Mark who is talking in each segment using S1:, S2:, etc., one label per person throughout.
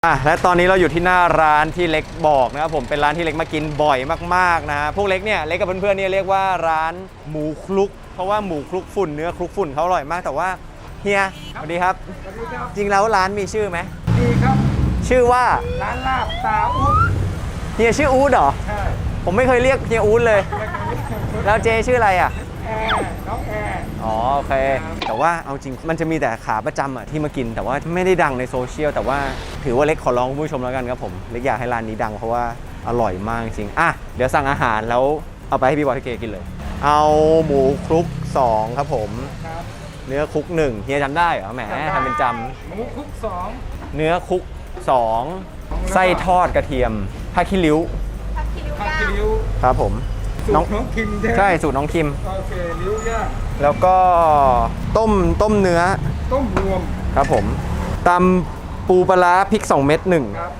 S1: และตอนนี้เราอยู่ที่หน้าร้านที่เล็กบอกนะครับผมเป็นร้านที่เล็กมากินบ่อยมากๆนะพวกเล็กเนี่ยเล็กกับเพื่อนๆเนี่ยเรียกว่าร้านหมูคลุกเพราะว่าหมูคลุกฝุ่นเนื้อคลุกฝุ่นเขาอร่อยมากแต่ว่าเฮียสวัสดีครับจริงแล้วร้านมีชื่อไหม
S2: มีครับ
S1: ชื่อว่า
S2: ร้านลาบตาอู๊ด
S1: เฮียชื่ออู๊ดเหรอ
S2: ใช่
S1: ผมไม่เคยเรียกเฮียอู๊ดเลยแล้วเจชื่ออะไรอ่ะ
S2: แอร์น้องแอร์
S1: อ๋อโอเคแต่ว่าเอาจริงมันจะมีแต่ขาประจำอ่ะที่มากินแต่ว่าไม่ได้ดังในโซเชียลแต่ว่าถือว่าเล็กขอร้องคุณผู้ชมแล้วกันครับผมเล็กอยากให้ร้านนี้ดังเพราะว่าอร่อยมากจริงเดี๋ยวสั่งอาหารแล้วเอาไปให้พี่บอยพี่เกกินเลยเอาหมูคลุก2ครับผมเนื้อคลุก1เฮียจำได้เหรอแหมทำเป็นจ
S2: ำหมูคลุก2
S1: เนื้อคลุก2ไส้ทอดกระเทียมผ้าขี้ริ้วครับผม
S2: น้องคิม
S1: ใช่สูตรน้องคิม
S2: โอเคริ้วย่าง
S1: แล้วก็ต้มเนื้อ
S2: ต้มรวม
S1: ครับผมตำปูปลาร้าพริก2เม็ด1
S2: ครับ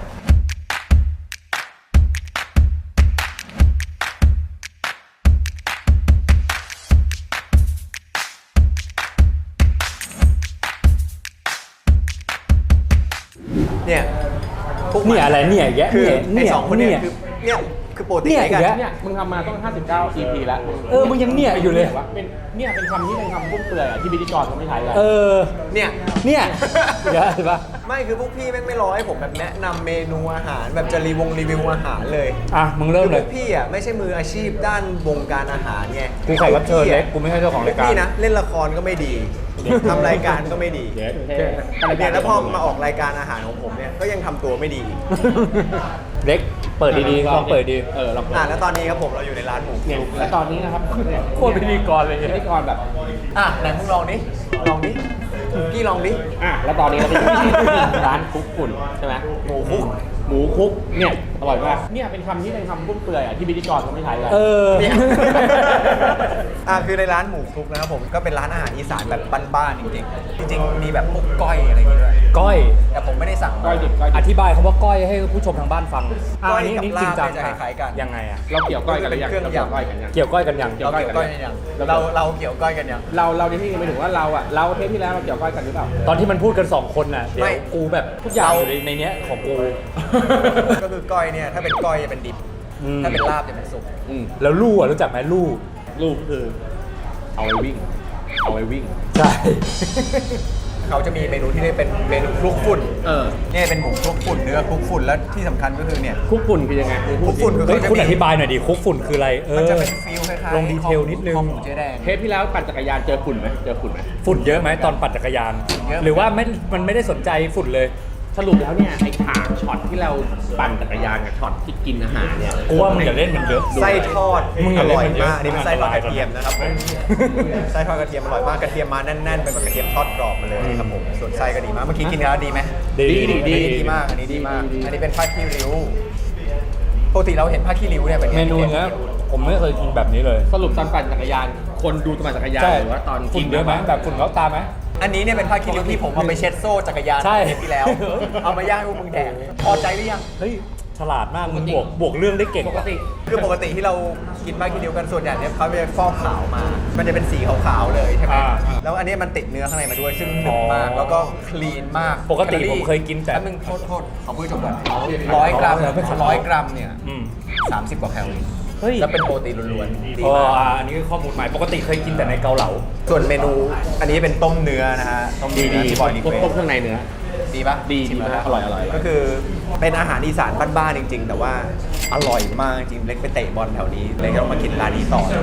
S1: เนี่ย
S3: อะไรเนี่ยแยะ
S1: เนี่ยสองคนเนี่ยคือโปรตีนกัน
S3: เนี่ยมึงทำมาต้อง59 EP แล้วมึงยังเนี่ยอยู่เลยเป็นเป็นคำที่เป็นคำพุ่มเปื่อยที่พิธีกรเขาไม่ใช้กัน
S1: เนี่ย
S3: เห็นปะ
S1: ไม่คือพวกพี่แม่งไม่รอให้ผมแบบแนะนำเมนูอาหารแบบจะรีวิวอาหารเลย
S3: มึงเริ่มเลย
S1: พวกพี่ไม่ใช่มืออาชีพด้านวงการอาหารไง
S3: กูแขกรับเชิญเล็กกูไม่ใช่เจ้าของรายการ
S1: พี่นะเล่นละครก็ไม่ดีทำรายการก็ไม่ดีเนี่ยแล้วพอมาออกรายการอาหารของผมเนี่ยก็ยังทำตัวไม่ดี
S3: เล็กเปิดดีๆลองเปิดดี
S1: ลองเปิดแล้วตอนนี้ครับผมเราอยู่ในร้านหมูคลุก
S3: แล้วตอนนี้นะครับโคตรพิธีกรเลยพิธีกรแบบ
S1: ไหนมึงลองดิพี่ลองดิ
S3: แล้วตอนนี้เราเป็นร้านคุกฝุ่นใช่ไหมหมูคุกเนี่ยอร่อยมากเนี่ยเป็นคำที่เป็นคำพุ่มเปื่อยที่พิธีกรเขาไม่ใช้กัน
S1: เนี่ยคือในร้านหมูคลุกนะครับผมก็เป็นร้านอาหารอีสานแบบบ้านๆจริงมีแบบพวกก้อยอะไรอย่างเงี้ยด้วย
S3: ก้อย
S1: แต่ผมไม่ได้สั่ง
S3: ก้อยดิบอธิบายคำว่าก้อยให้ผู้ชมทางบ้านฟัง
S1: ก้อยกับลาบจะคล้ายๆกัน
S3: ยังไงเราเกี่ยวก้อยกันหรือยัง
S1: เกี่ยวก้อยกันยัง
S3: เราเกี่ยวก้อยกันยัง
S1: เราเกี่ยวก้อยกันยัง
S3: เราในที่นี้หมายถึงว่าเราเทปที่แล้วเราเกี่ยวก้อยกันหรือเปล่าตอนที่มันพูดกัน2คนน่ะเดี๋ยวกูแบบทุกอย่างอยู่ในเนี้ยของกู
S1: ก็คือก้อยเนี่ยถ้าเป็นก้อยจะเป็นดิบถ้าเป็นลาบจะเป็นสุก
S3: แล้วลู่รู้จักไหมลู่คือเอาไว้วิ่งใช่
S1: เขาจะมีเมนูที่เรียกเป็นเมนูคลุกฝุ่นเนี่ยเป็นหมูคลุกฝุ่นเนื้อคลุกฝุ่นแล้วที่สำคัญก็คือเนี่ย
S3: คลุกฝุ่นคือยังไง
S1: คลุกฝุ่นคือ
S3: คุณอธิบายหน่อยดิคลุกฝุ่นคืออะไร
S1: มันจะเป็นฟิลคล้ายๆ
S3: ลงดีเทลนิดนึงเทปที่แล้วปั่นจักรยานเจอฝุ่นไหมฝุ่นเยอะไหมตอนปั่นจักรยานหรือว่ามันไม่ได้สนใจฝุ่นเลยสรุปแล้วเนี่ยไอ้ฉากช็อตที่เราปั่นจักรยานกับช็อตที่กินอาหารเนี่ยกูว่ามึงอย่าเล่นมันเยอะ
S1: ไส้ทอดอร่อยมากนี่เป็นไส้ทอดกระเทียมนะครับไส้ทอดกระเทียมอร่อยมากกระเทียมมาแน่นๆเป็นกระเทียมทอดกรอบมาเลยครับผมส่วนไส้ก็ดีมากเมื่อกี้กินแล้วดีไหมดีมากอันนี้ดีมากอันนี้เป็นผ้าขี้ริ้วปกติเราเห็นผ้าขี้ริ้วเนี่ยเป็น
S3: เมนูเนี้ยผมไม่เคยกินแบบนี้เลยสรุปตอนปั่นจักรยานคนดูตอนปั่นจักรยานหรือว่าตอนกินเยอะไหมแบบฝุ่นเขาตาไหม
S1: อันนี้เนี่ยเป็นผ้าคีริ้วที่ผมเอาไปเช็ดโซ่จักรยานเทปที่แล้วเอามาย่างให้พวกมึงแดกพอใจหรือยัง
S3: เฮ้ยฉลาดมากมึงบวกเรื่องได้เก่ง
S1: ปกติที่เรากินผ้าคีริ้วกันส่วนใหญ่เนี่ยเขาจะฟอกขาวมามันจะเป็นสีขาวๆเลยใช่ไหมแล้วอันนี้มันติดเนื้อข้างในมาด้วยซึ่งหนึบมากแล้วก็คลีนมาก
S3: ปกติผมเคยกินแต่
S1: มึงโทษขอพูดจบก่อน100 กรัมเนี่ย30 กว่าแคลอรี่แล้วเป็นโปรตีนล้วนๆดีมาก
S3: อันนี้คือข้อมูลใหม่ปกติเคยกินแต่ในเกาเหลา
S1: ส่วนเมนูอันนี้เป็นต้มเนื้อนะฮะต้ม
S3: ดีบอยต้มเครื่องในเนื้อ
S1: ดีปะ
S3: ดีมากอร่อยก็
S1: คือเป็นอาหารอีสานบ้านๆจริงๆแต่ว่าอร่อยมากจริงเล็กไปเตะบอลแถวนี้เล็กต้องมากินร้านนี้ต่อ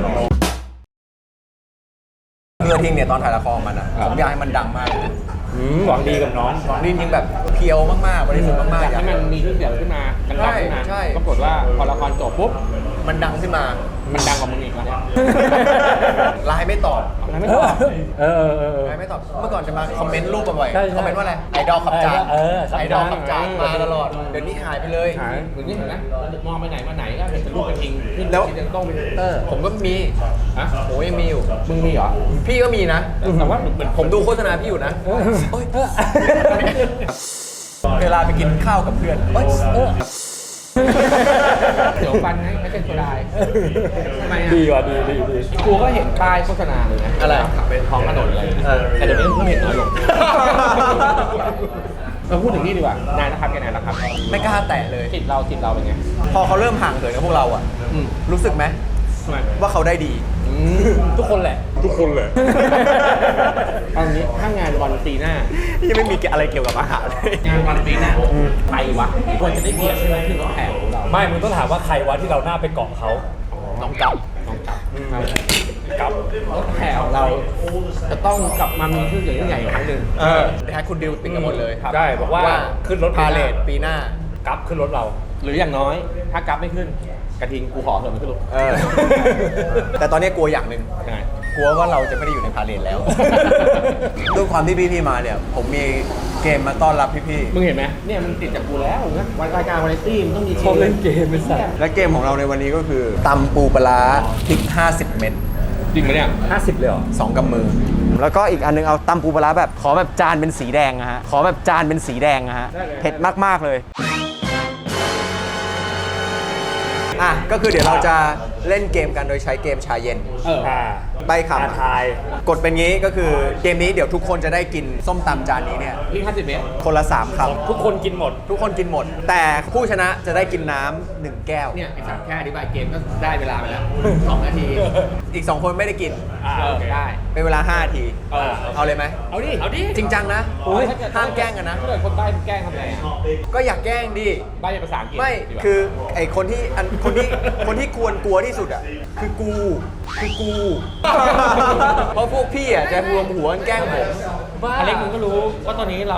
S1: เพื่อทิ้งเนี่ยตอนถ่ายละครมันผมอยากให้มันดังมาก
S3: หวังดีกับน้อง
S1: หวังดีจริงแบบเพียวมากๆบริสุทธิ์มากๆ
S3: อยากให้มันมีชื่อเสียงขึ้นมาดังขึ้นมาปรากฏว่าพอละครจบปุ๊บ
S1: มันดังขึ้นมา
S3: มันดังกว่ามึงอีกแล้วเนี่ย
S1: ไลน์ไม่ตอบ
S3: ไลน์ไม่
S1: ตอบเมื่อก่อนจะมาคอมเมนต์รูปบ่อยๆคอมเมนต์ว่าอะไรไอดอลขับจานไอดอลขับจานมาตลอดเดี๋ยวนี้หายไปเลย
S3: เหมือนนี่เห็นไหมมองไปไหนมาไหนก็เป็นรูปกระทิง
S1: แล้ว
S3: ต้องเป็น
S1: ผมก็มีโอ้ยมีอยู่
S3: มึงมีเหรอ
S1: พี่ก็มีนะ
S3: แต่ว่าเหมือน
S1: ผมดูโฆษณาพี่อยู่นะเวลาไปกินข้าวกับเพื่อน
S3: เดี๋ยวฟันไม่เป็นโซดาทำไมดีว่ะดีกูก็เห็นป้ายโฆษณาเลยนะ
S1: อะไร
S3: ขับไปท้องถนนอะไรแต่เดี๋ยวนี้เพิ่งเห็นน้อยลงเราพูดถึงนี่ดีกว่านายนะครับแกนายนะครับ
S1: ไม่กล้าแตะเลย
S3: จิตเราเป็นไง
S1: พอเขาเริ่มห่างเหินกับพวกเราอ่ะ รู้สึกไหม
S3: ทำไม
S1: ว่าเขาได้ดี
S3: ทุกคนแหละ ทุกคนแหละตอนนี้ถ้างานวันปีหน้า
S1: ยังไม่มีอะไรเกี่ยวกับอาหารเลย
S3: งานวันปีหน้าใครวะควรจะได้เกียรติใช่ไหมที่รถแห่ของเรา
S4: ไม่มึงต้องถามว่าใครวะที่เราหน้าไปเกาะเขา
S1: น้องกั๊บ
S4: กับ
S3: รถแห่ของเราจะต้องกลับมามีชื่อเสียงที่ใหญ่อีกครั้งหนึ่ง
S1: นะฮะคุณดิวติดกันหมดเลย
S3: ครับ
S4: ได้บอกว่าขึ้นรถ
S1: พาเลทปีหน้า
S4: กับขึ้นรถเรา
S3: หรืออย่างน้อย ถ้ากราฟไม่ขึ้น กระทิงกูขอเถอะมันขึ้นรถ
S1: แต่ตอนนี้กลัวอย่างหนึ่ง
S3: ยังไง
S1: กลัวว่าเราจะไม่ได้อยู่ในพาเลทแล้ว ด้วยความที่พี่ๆมาเนี่ย ผมมีเกมมาต้อนรับพี่
S3: มึงเห็นไหมเนี่ยมันติดจากกูแล้วนะวันรายการวาไรตี้มันต้องมี
S4: เขาเล่นเกมเป็นสัตว์
S1: ๆ และเกมของเราในวันนี้ก็คือตำปูปลาร้าพริก 50 เม็ด
S3: จริงไหมเนี่ย
S4: 50 เลยเหรอ
S1: 2กำมือ แล้วก็อีกอันนึงเอาตำปูปลาร้าแบบขอแบบจานเป็นสีแดงอะฮะ ขอแบบจานเป็นสีแดงอะฮะ เผ็ดมากๆเลย อ่ะ ก็คือเดี๋ยวเราจะเล่นเกมกันโดยใช้เกมชาเย็น ใบค
S4: อาทาย
S1: ำกดเป็นงี้ก็คือเกมนี้เดี๋ยวทุกคนจะได้กินส้มตำจานนี้เนี่ย
S3: พี่50 เมตร
S1: คนละ 3 ค
S4: ทุกคนกินหมด
S1: ำทุกคนกินหมด แต่ผู้ชนะจะได้กินน้ำ1แก้ว
S3: เนี่ยไอ้สัตว์แค่อธิบายเกมก็ได้เวลาไปแล้ว 2 นาที
S1: อีก 2 คนไม่ได้กิน
S3: โอเคได้
S1: เป็นเวลา 5 นาที
S3: เออ
S1: เอาเลยไหม
S3: เอาดิ เอาดิ
S1: จริงจังนะ ห้ามแกล้งกันนะ
S3: ถ้าเกิดคนใบ้แกล้งทำไงอ่ะ
S1: ก็อยากแกล้งดิ
S3: ใบ้เป็นภาษาอังกฤษ
S1: ไม่
S3: ดีกว่า
S1: คือไอคนที่คนที่กลัวที่สุดอ่ะ คือกู เพราะพวกพี่อ่ะจะรวมหัวกันแกล้งผม
S3: อเล็กมึงก็รู้ว่าตอนนี้เรา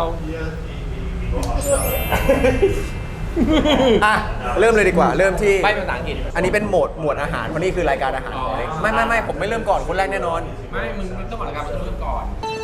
S1: อ่ะ เริ่มเลยดีกว่า เริ่มที่
S3: ใบ้เป็นภาษาอังกฤษ
S1: อันนี้เป็นหมวดอาหารเพราะนี่คือรายการอาหารของเล็กไม่ผมไม่เริ่มก่อนคนแรกแน่นอน
S3: ไม่มึงต้องก่อนรายการมันต้องเริ่มก่อน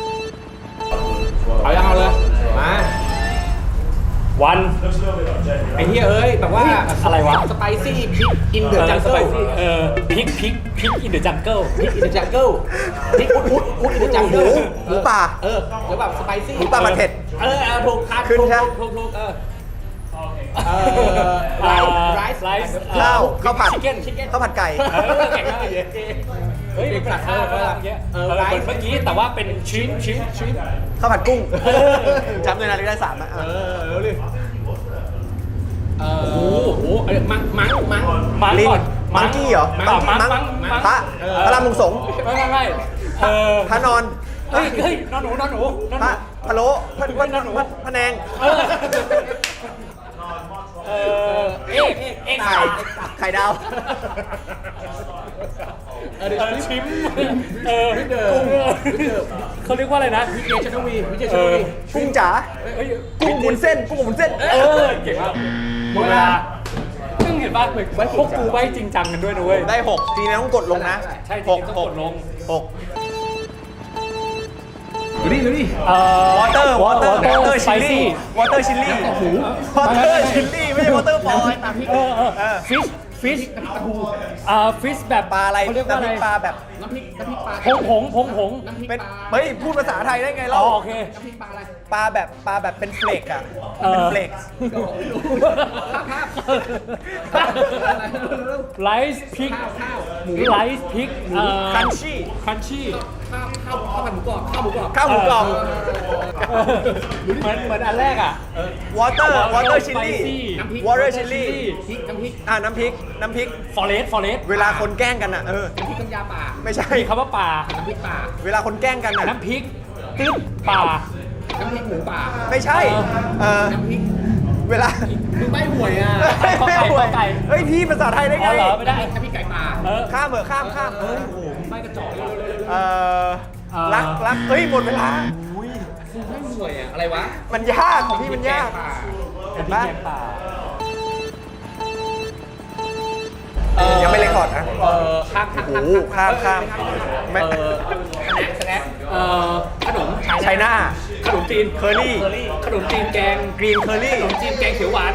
S3: เอาเลย มา
S4: วัน
S3: ไอ้เหี้ยเอ้ยแบบว่า
S4: อะไรวะ
S3: สไปซี่พริกอินเดอะจังเกิล
S4: พริกอินเดอะจังเกิล
S3: พริกอินเดอะจังเกิลพริกอุดอินเดอะจังเกิล
S1: หมูป่า
S3: เออหรือแบบสไปซี่
S1: หมูป่ามันเผ็ด
S3: ถูกครับ
S1: ขึ้นใช่ไหม
S3: ถูกไรซ์
S1: ข้าวผัด
S3: ชิคเก้น
S1: ข้าวผัดไก่
S3: แข่งกันเลยเฮ้ย
S4: เป็นผัดข้าวก็ทำเยอะเหมือนเมื่อกี้แต่ว่าเป็นชิ้น
S1: ข้าวผัดกุ้งจำเลยนะได้3นะ
S3: เร็วเลยโอ้โหมัง
S1: ลิง
S3: ก่อน
S1: มังกี้เหรอ
S3: มัง
S1: พระพระรามวงสงฆ์
S4: ไม่
S1: พระนอน
S4: เฮ้ยนอนหนู
S1: พระพะโล้พระแนง
S4: เอ๊ะ
S1: ไข่ดาว
S4: ชิมกุ้งเขาเรียกว่าอะไรนะ
S3: วิเจชนวี
S1: กุ้งจ๋ากุ้งหมุนเส้น
S4: เก่งมากหมดเวลาซึ่งเห็นป่ะพวกกูใบจริงจังกันด้วยนะเว้ย
S1: ได้6ทีนี้ต้องกดลงนะ
S4: ใช่จริงต้องกดลง
S1: 6
S3: ดูดิ
S1: วอเตอร์ชิลลี่
S4: วอเตอร์
S1: ไม่ใช่วอเตอร์ฟอยล์
S4: ฟิชฟิชแบบ
S1: ปลาอะไร
S4: เขาเรียกว่าอะไร
S1: ปลาแบบ
S3: น้ำพริกปลา
S4: ผง
S3: น้ำพริก
S1: เป็น
S3: ปลา
S1: เฮ้ยพูดภาษาไทยได้ไง
S4: อ๋
S1: เล่า
S4: อโอเค
S3: น้ำพริกปลาอะไร
S1: ปลาแบบเป็นเฟลกอะเป็นเฟลก
S4: ไลซ์พริกไลซ์พริก
S1: คันชี่
S4: คันชี่
S3: ข้าวผัดหมูกรอบข้าวหมูกรอบ
S1: ข้าวหมูกรอบ
S4: เหมือนอันแรกอ่ะ
S1: วอเตอร์ชิลลี่
S3: น้ำพริก
S1: วอเตอร์ชิลลี่
S3: น้ำพริก
S1: น้ำพริก
S4: ฟอเรส
S1: เวลาคนแกล้งกันอะ
S3: น้ำพริกน้ำยาป่า
S1: ไม่ใช่
S4: มีคำว่าป่า
S3: น้ำพริกป่า
S1: เวลาคนแกล้งกันอะ
S4: น้ำพริกตึ๊บป่า
S3: น้ำพริกหมูป่า
S1: ไม่ใช่
S3: น้ำพริก
S1: เวลา
S3: มึงใบหวยอ่ะ
S1: เฮ้ยพี่ภาษาไทยได้ไง
S4: อ๋อเหรอไม่ได้
S3: น้ำพริกไก่ป่า
S1: ข้ามข้ามเฮ้ย
S3: ใบกระจอกเร็ว
S1: รักเฮ้ยหมดเวลา
S3: มึงใบหวยอ่ะอะไรวะ
S1: มันยากของพี่มันยาก เห็นปะ
S4: แกงป่า
S1: ยังไม่เรคคอร์ดนะ
S3: ข้าม
S1: โอ้โหข้ามไม่
S3: สแน็คขนม
S1: ไชน่า
S3: ขนมจีน
S1: เคอรี่
S3: ขนมจีนแกง
S1: กรีนเคอรี่
S3: ขนมจีนแกงเขียวหวาน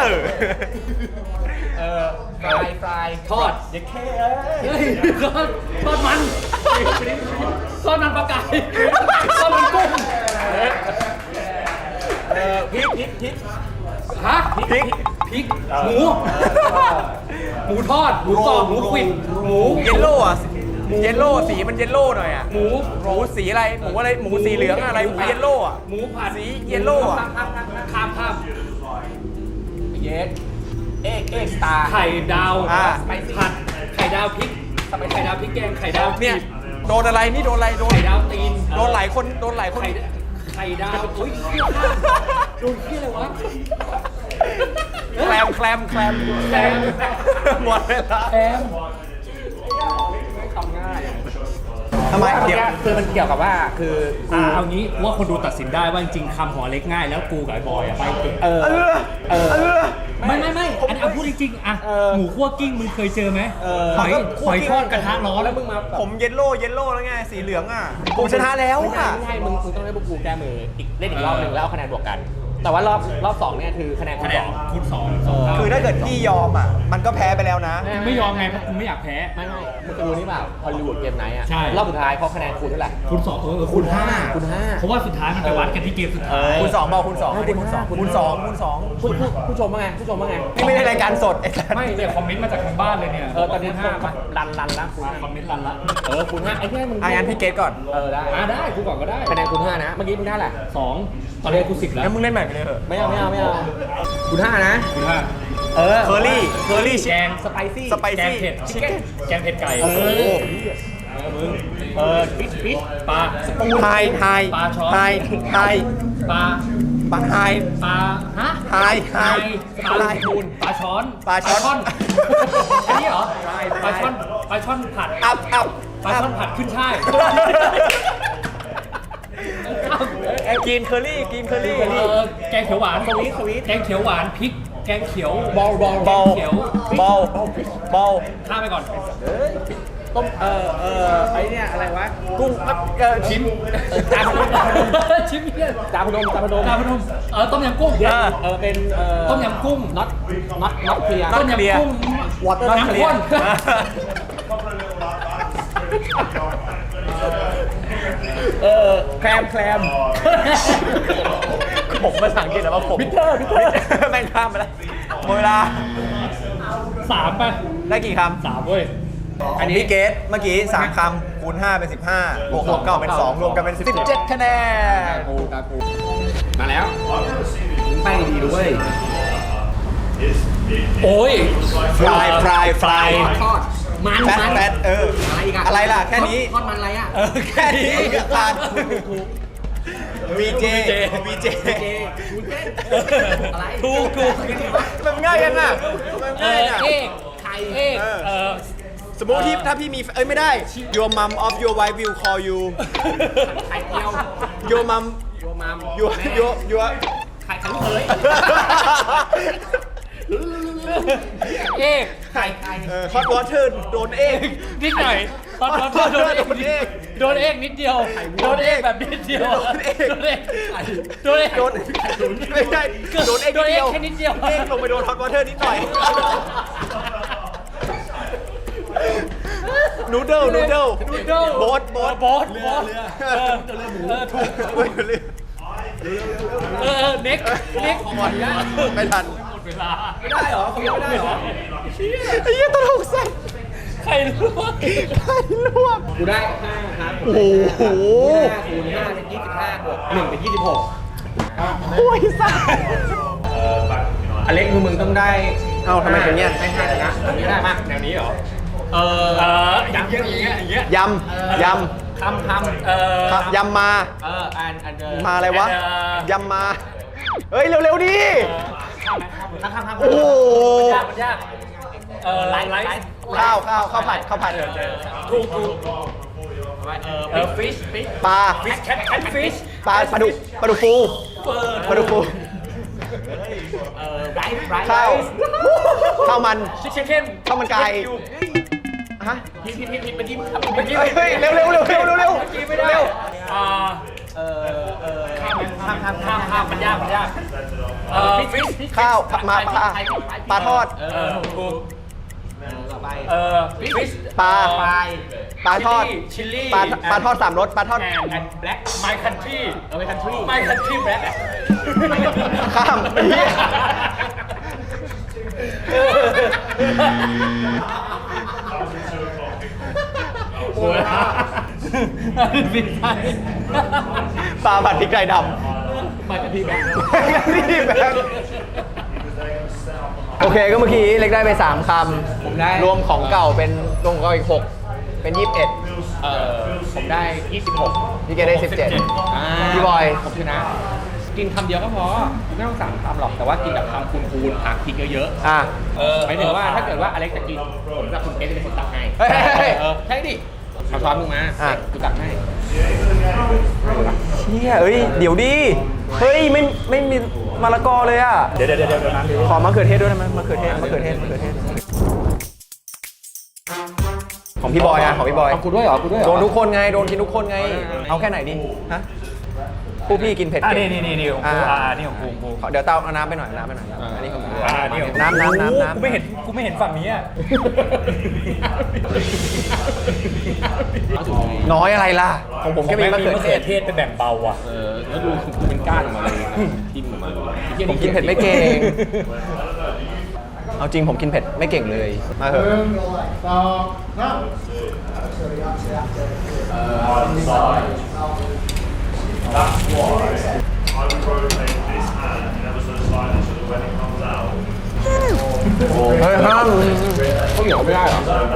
S3: ฟรายทอดเด็กแค่เฮ้ยทอดมันทอดมันปลากายทอดมันกุ้งพริกฮะพริกหมูทอดหมูกรอบหมูขวิดหมู
S1: เยลโล่อะ
S3: ห
S1: เยลโล่สีมันเยลโล่หน่อยอ่ะหมูสีอะไรหมูสีเหลืองอะไรหมูเยลโล่อ่ะ
S4: หมูผัด
S1: สีเยลโล่อ่ะ
S4: ข้าม
S3: เยสเอกสตาร์
S4: ไข่ดาว
S3: สไปซี่
S4: ผัดไข่ดาวพริกไข่ดาวพริกแกงไข่ดาว
S1: เนี่ยโดนอะไรนี่โดนอะไรโดน
S4: ไข่ดาวตีน
S1: โดนหลายคน
S4: ไข่ดาวอุ้ยโดนขี้อะไรวะ
S1: แคลมหมดเวลา
S4: แอม
S1: ทำไมเดี๋ยว
S3: คือมันเกี่ยวกับว่าคือกู
S4: เอางี้ว่าคนดูตัดสินได้ว่าจริงๆคำหอเล็กง่ายแล้วกูกับไอ้บอยอะไปเก่ง ไม่อันนี้พูดจริงๆอะหมูคั่วกิ้งมึงเคยเจอไหมหอยทอดกระทะร้อนแล้วมึงมา
S1: ผมเยลโล่แล้วไงสีเหลืองอ่ะผมชนะแล้วอ่ะ
S3: ไม่ใช่มึงต้องให้พวกกูแก้มือเล่นอีกรอบนึงแล้วเอาคะแนนบวกกัน แต่ว่ารอบ2เนี่ยคือคะแนนคู
S4: คะ
S3: ณ
S4: แน
S3: ส
S4: น
S3: อง
S4: คูณสอง
S1: คือถ้าเกิดพี่ยอมอ่ะมันก็แพ้ไปแล้วนะ
S4: ไม่ยอมไงเพราะกูไม่อยากแพ้
S3: ไม่มึงจะรู้นี่เปล่าฮอลลีวูดเกมไนท์อ่ะ
S4: ใช่
S3: รอบสุดท้ายเขาคะแนนคูณเท่าไหร่
S4: คูณสองคูณห้า
S3: คูณห้า
S4: เพราะว่าสุดท้ายมันไปวัดกันที่เกมสุดท้าย
S1: คูณ2เปล่าคูณ2อันนี้คูณ2คูณ2
S3: ผู้ชมว่าไงผู้ชมว่าไง
S1: นี่ไม่ได้รายการสดไอ้สัส
S4: ไม่เนี่ยคอมเมนต์มาจากทางบ้านเลยเนี่ย
S3: ตอนนี้
S4: ห้าป่ะ
S3: รันละคูณ
S4: คอมเมนต์รันละ
S3: คูณห้าไอ้ที่มึง
S1: งั้นพี่เกตก่อน
S3: ได้
S4: ได้กูก่อนก็ได้
S3: คะแนนคูณห้านะเมื่อกี้มึงได้แหละ
S4: 2ตอนนี้กู10แล้ว
S1: งั้นมึงเล่นใหม่ไปเลยเถอะ
S3: ไม่เอาคูณห้านะ
S4: คูณห้า
S1: เคอรี่
S4: แกง
S3: สไปซี่
S1: สไป
S4: แกง
S1: ซี่
S4: เผ็ด
S1: ชิคเก้น
S4: แกงเผ็ดไก่
S3: ฟิช
S4: ปลา
S1: ไฮ
S4: ปลาช้อน
S1: ไฮ
S4: ปลา
S1: ปลาไฮ
S4: ปลาฮะ
S1: ไฮ
S4: ปลาคูณปลาช้อน
S1: ปลาช้อน
S4: อันนี้เหรอปลาช่อนผัด
S1: อัพ
S4: ปลาช่อนผัดขึ้นช่าย
S1: กินเคอรี่
S4: แกงเขียวหวานสวีทแกงเขียวหวานพริกแกงเขียวบอล
S1: บอล
S4: เขียว ข้ามไปก่อน
S3: ต้มไอ้เนี่ยอะไรวะ
S1: กุ้งชิม
S3: จานพนม
S4: ชิมเนี่ย
S3: จานพนม
S4: ดาวพนมต้มยำกุ้ง
S3: เป็น
S4: ต้มยำกุ้ง
S3: น็อตเคลียร์
S4: ต้มยำกุ้ง
S1: Water
S4: น้ำข้น
S3: แคลม
S1: ผมภาษาอังกฤษแล้วว่าผม
S3: บิทเทอร์
S1: แม่งข้ามไปแล้วหมดเวลา
S4: 3 ไป
S1: ได้กี่คำ
S4: 3 เว้ย
S1: อันนี้พี่เกตเมื่อกี้3คำคูณ5เป็น15บวก6ก็เป็น2รวมกันเป็น17คะแนน
S3: มาแล้วแป้งดีด้วย
S4: โอ้ย
S1: ฟราย
S3: ทอดมัน
S1: แฟตอะไรล่ะแค่นี้
S3: ทอดมันอะไรอ่ะ
S1: แค่นี้ผ่าน VJ
S3: อะไร
S4: ถูก
S1: มันง่ายยังอ่ะมันง่ายอ่ะ
S3: ไข่
S1: สมมติที่ถ้าพี่มีไม่ได้ your mom of your wife will call you
S3: ไข่เจียว
S1: your mom
S3: โยมาม
S1: your
S3: ไข่ลูกเขย ไข่
S1: hot water โดนเอง
S4: นิดหน่อยตอนโดนเอกนิดเดียวโดนเอกแบบนิดเดียวโดนเอก
S1: ไม่ใช่โดนเองนิดเดียว
S4: แค่นิดเดียว
S1: เองลงไปโดน hot water นิดหน่อย นูเดิลโบ๊ท
S4: ถูกเน็กก่อนนะ
S1: ไม่ทัน
S4: หมดเวลา
S3: ไม่ได้เหรอเขาไม่ได้เหรอ
S1: ไอ้เหี้ยตลกสัส
S4: ใครรู้
S3: กูได้5ครับ
S1: โอ้โห
S3: 5คูณ5เป็น25บวก1เป็น26
S1: โอ้ยสัส
S3: อเล็กมึงต้องได้
S1: เอ้าทำไมเป็นเงี้ย
S3: ได้5ชนะอันนี้ได้มาก
S4: แนวนี้เหรออย่างเงี้ย
S1: ยำ
S3: คำ
S1: ยำมา
S3: อัน
S1: มาอะไรวะ ยำมา เฮ้ย เร็วๆดิ
S3: คำ
S1: โอ้โห
S4: มันยากไลฟ์
S1: ข้าวผัด
S4: ถูกฟิช
S1: ปลา
S4: แคทฟิช
S1: ปลาดุกฟูข้าวมัน
S4: ชิคเก้น
S1: ข้าวมันไก่ฮะ
S3: ผิดเมื่อกี้
S1: เฮ้ยเร็วไม่ได้
S4: ข้ามมันยากฟิช
S1: ข้าวมาปลาทอด
S4: ถูก
S3: ต่อไป
S4: ฟิช
S1: ปลาทอด
S4: ชิลลี่
S1: ปลาทอด3รสปลาทอด
S4: แอนแบล็กไมคันทรี
S3: ไปคันทรี
S4: ไมคันทรีแบล็ก
S1: ข้ามไอ้เหี้ย
S4: โอ้ผิดไป
S1: ปลาผัดพริกไทยด
S3: มาจากที่แบงค์
S1: ำนี่แบงค์โอเคก็เมื่อกี้เล็กได้ไป 3 ค
S3: ผมได้
S1: ำรวมของเก่าเป็นรวมของเก่าอีก 6 เป็น 21
S3: ผมได้ 26
S1: พี่เกดได้ 17 พี่บอย
S3: ผมชนะ กินคำเดียวก็พอ ไม่ต้อง3คำหรอก แต่ว่ากินแบบคำคูณๆผักพริกเยอะ
S1: อ่ะ
S3: ๆหมายถึงว่าถ้าเกิดว่าอเล็กจะกิน ผมกับคุณเกดจะเป็นคนตักให้
S1: เฮ้ย
S3: ใช่ดิเอาช้อนมึงมา
S1: อ่ะ
S3: กูตักให้
S1: เชี่ยเอ้ย เดี๋ยวดิ เฮ้ย ไม่มีมะละกอเลยอ่ะ
S4: เดี๋ยวน้ำ
S1: ขอมะเขือเทศด้วยได้ไหมมะเขือเทศ ของพี่บอยอะของพี่บอย
S3: เอากูด้วยเหรอ กูด้วยเหรอ
S1: โดนทุกคนไง โดนกินทุกคนไง เอาแค่ไหนดิ ฮะผู้พี่กินเผ็ด
S4: อ่ะ
S1: เก่ง
S4: นี่ของกูนี่ของกู
S1: ขอเดี๋ยวเต้าเอาน้ำไปหน่อยน้ำไปหน่อยอันนี้ของกู
S4: นี่ของ
S1: น้ำ
S4: กูไม่เห็นฝั่งนี้อ่ะ
S3: เอาถูกเลย
S1: น้อยอะไรล่ะ ของผมแค่มีมะเขือเทศ
S4: เทศไปแบ่งเบาอ่ะ
S3: แล้วดูกูเป็นก้านออกมาเลยทิ่มออกมาเลย
S1: ผมกินเผ็ดไม่เก่ง เอาจริงผมกินเผ็ดไม่เก่งเลย มาเถอะ
S5: That's why I would rotate this hand ever so slightly so that when it comes out,
S1: เฮ้ยห้าม
S3: ข้าวเหนียวไม่ได้เหรอ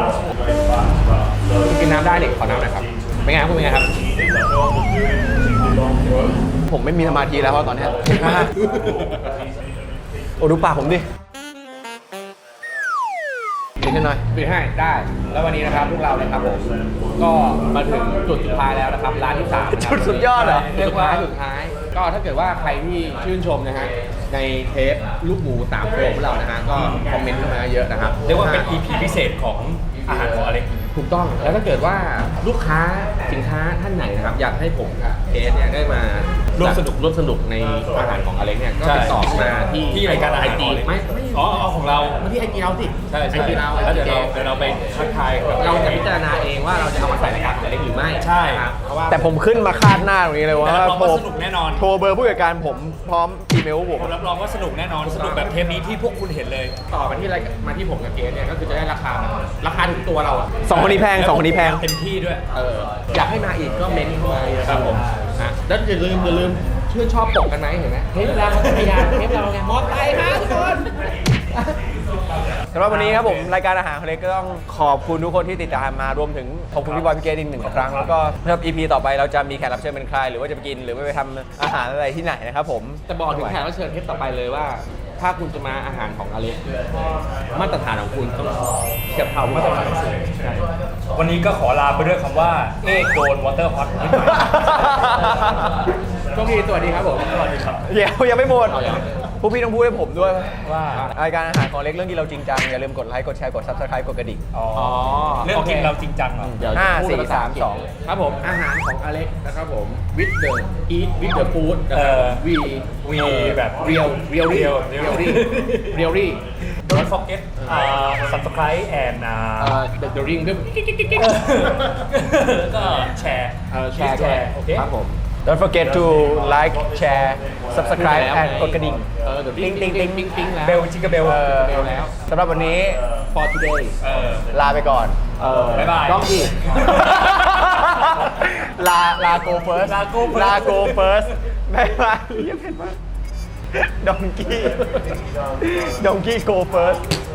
S3: คุณกินน้ำได้ดิขอน้ำหน่อยครับ เป็นไงครับคุณเป็นไงครับ
S1: ผมไม่มีสมาธิแล้วเพราะตอนเนี้ยโอ้ดูปากผมดิกินให้หน่อย
S3: ปิดให้ได้ แล้ววันนี้นะครับพวกเรานะครับผม ก็มาถึงจุดสุดท้ายแล้วนะครับ ร้านที่3นะครับ
S1: จุดสุดยอดเหรอ
S3: จุดสุดท้าย ก็ถ้าเกิดว่าใครที่ชื่นชมนะฮะ ในเทปลูกหมู3โปรของเรานะฮะ ก็คอมเมนต์เข้ามาเยอะนะครับ
S4: เรียกว่าเป็น EP พิเศษของอาหารของอเล็ก
S3: ถูกต้อง แล้วถ้าเกิดว่าลูกค้าสินค้าท่านไหนนะครับ อยากให้ผมกับเอสเนี่ยได้มาร่วมสนุกในอาหารของอเล็กเนี่ย ก็
S4: ใช่
S3: ติดต่อมาที่
S4: รายการอาหาร
S3: ไอ
S4: ข
S3: จี
S4: องอเล็ก
S3: ไม่
S4: อ๋อเอาของเรา
S3: มาที่ไอจีเราสิ
S4: ใช่
S3: ไอจีเรา
S4: แล้วเดี๋ยวเราไปทักทายกับ
S3: เราจะพิจารณาเองว่าเราจะเอามาใส่รายการของอเล็กหรือไม่
S4: ใช่
S3: ครับเพราะว่า
S1: แต่ผมขึ้นมาคาดหน้าตรงนี้เลยว่า
S4: แต่รับรองว่าสนุกแน่นอน
S1: โทรเบอร์ผู้จัดการผมพร้อมอีเมลผม
S4: ผมรับรองว่าสนุกแน่นอน สนุกแบบเทปนี้ที่พวกคุณเห็นเลย
S3: ต่อมาที่รายการมาที่ผมกับเกสเนี่ยก็คือจะได้ราคาถึงตัวเราอะ
S1: สองคนนี้แพงสองคนนี้แพง
S4: เต็มที่ด้วย
S3: อยากให้มาอีกก็เม้นต์เข้ามาเยอะครับผมแล้วอย่าลืมชื่นชอบปกกันไหมเห็นไหมเทปเราพยานเทปเราไงมอไซค์ฮะทุกคน
S1: สำหรับวันนี้ครับผมรายการอาหารของเล็กก็ต้องขอบคุณทุกคนที่ติดตามมารวมถึงขอบคุณพี่บอยพี่เกดอีก1 ครั้งแล้วก็สำหรับ EP ต่อไปเราจะมีแขกรับเชิญเป็นใครหรือว่าจะไปกินหรือว่าไปทำอาหารอะไรที่ไหนนะครับผม
S3: จะบอกถึงแขกรับเชิญเทปต่อไปเลยว่า ถ้าคุณจะมาอาหารของอเล็กมาตรฐานของคุณต้องเทียบเท่ามาตรฐานสูงใช่
S4: วันนี้ก็ขอลาไปด้วยคำว่า เอกโดนวอเตอร์ฮอต
S3: โชคดีสวัสดีครับผม
S4: สวัสดีครับ
S1: เดี๋ยวยังไม่หมด
S3: เอาอย่าง
S1: พวกพี่ต้องพูดให้ผมด้วย
S4: ว่า
S1: รายการอาหารของเล็กเรื่องที่เราจริงจังอย่าลืมกดไลค์กดแชร์กด Subscribe กดกระดิ่ง
S4: อ๋อ
S3: เรื่
S4: เรื่
S3: อ
S4: อง ง
S3: กิ
S4: กิ
S3: น
S4: น
S3: เรา
S4: เราจริงจังเหรอ
S3: เดี๋ยวจะพูดเป็นภาษาอังกฤษ
S1: 4 3 2
S3: ครับผมอาหารของอเล็กนะครับผม with the eat with the food นะครับ we
S4: แบบ
S3: really
S4: Don't forget subscribe and
S3: the ring ด้วย
S4: แล้วก็แชร์
S3: แชร์
S4: โอเค
S3: ครับผม
S1: Don't forget to like share subscribe and กดกระดิ่ง
S3: เดี๋ยวติ๊งติ๊งติ๊งติ๊งติ๊งแล้ว
S4: เบลจิกกับเบล
S3: เบลแล้ว
S1: สำหรับวันนี้
S3: for today
S1: ลาไปก่อน
S4: บ๊ายบาย
S3: ต้องอีก
S1: ลา go first ลา go first บ๊ายบายเยี่ยมเห็นมากดองกี้ go first